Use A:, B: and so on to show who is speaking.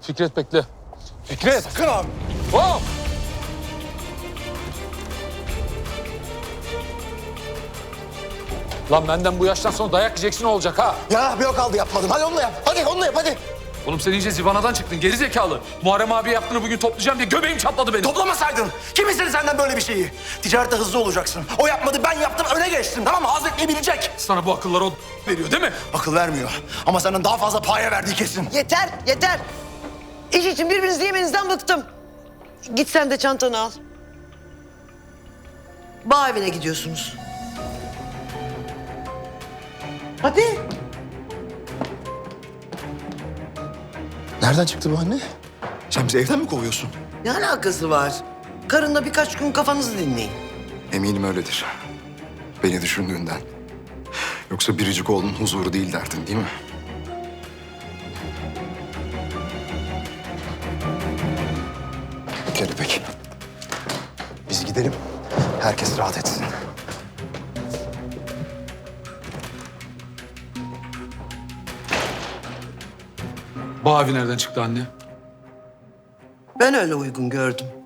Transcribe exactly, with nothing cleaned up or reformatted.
A: Fikret bekle. Fikret!
B: Sakın abi.
A: Hop! Lan benden bu yaştan sonra dayak yiyeceksin olacak ha.
B: Ya bir o kaldı yapmadım. Hadi onu da yap. Hadi onu da yap hadi.
A: Oğlum sen iyice zivanadan çıktın geri zekalı. Muharrem abi yaptığını bugün toplayacağım diye göbeğim çatladı benim.
B: Toplamasaydın. Kim istedi senden böyle bir şeyi? Ticarette hızlı olacaksın. O yapmadı, ben yaptım, öne geçtim. Tamam mı? Hazretmeyi bilecek.
A: Sana bu akılları o veriyor değil mi?
B: Akıl vermiyor. Ama senden daha fazla paya verdiği kesin.
C: Yeter, yeter. İş için birbirinizi yemenizden bıktım. Git sen de çantanı al. Bağ evine gidiyorsunuz. Hadi.
B: Nereden çıktı bu anne? Sen bizi evden mi kovuyorsun?
C: Ne alakası var? Karınla birkaç gün kafanızı dinleyin.
B: Eminim öyledir. Beni düşündüğünden. Yoksa biricik oğlunun huzuru değil derdin değil mi? Gel İpek. Biz gidelim. Herkes rahat etsin.
A: Bu abi nereden çıktı anne?
C: Ben öyle uygun gördüm.